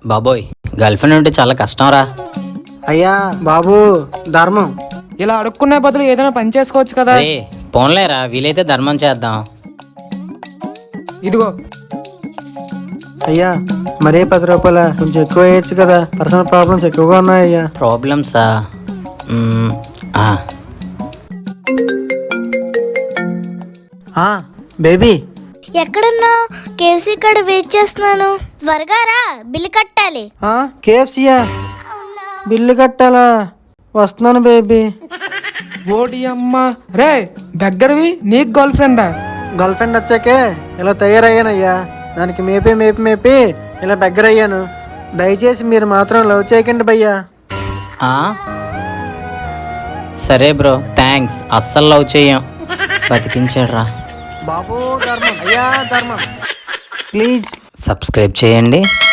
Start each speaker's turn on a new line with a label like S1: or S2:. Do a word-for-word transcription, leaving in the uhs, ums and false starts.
S1: బాబోయ్, girl friend ఉంటే చాలా కష్టం రా.
S2: అయ్యా బాబు ధర్మం.
S3: ఇలా అడుక్కునే బదులు ఏదైనా పని చేసుకోవచ్చు కదా.
S1: రే పోన్లేరా, వీలైతే ధర్మం చేద్దాం.
S3: ఇదిగో
S2: అయ్యా మరీ పది రూపాయల కొంచెం ఎక్కువ వేయచ్చు కదా, పర్సనల్ ప్రాబ్లమ్స్ ఎక్కువగా ఉన్నాయ్యా.
S1: ప్రాబ్లమ్సా? మ్మ్, ఆ,
S2: ఆ, బేబీ
S4: ఎక్కడున్నా? కేఎఫ్సీ కాడ వెయిట్ చేస్తున్నాను, త్వరగా రా, బిల్లు కట్టాలి.
S2: కేఎఫ్సీయా? బిల్లు కట్టాలా? వస్తున్నాను బేబీ.
S3: ఓడి అమ్మ రే, దగ్గరవి నీకు గర్ల్ ఫ్రెండా?
S2: గర్ల్ ఫ్రెండ్ వచ్చాకే ఇలా తయారయ్యానయ్యా. దానికి మేపి మేపి మేపి ఇలా దగ్గర అయ్యాను. దయచేసి మీరు మాత్రం లవ్ చేయకండి భయ్యా.
S1: ఆ? సరే బ్రో, థ్యాంక్స్. అస్సలు లవ్ చెయ్యం. బతికించాడు రా.
S2: బాబు ధర్మం, అయ్యా ధర్మం, ప్లీజ్
S1: సబ్స్క్రైబ్ చేయండి.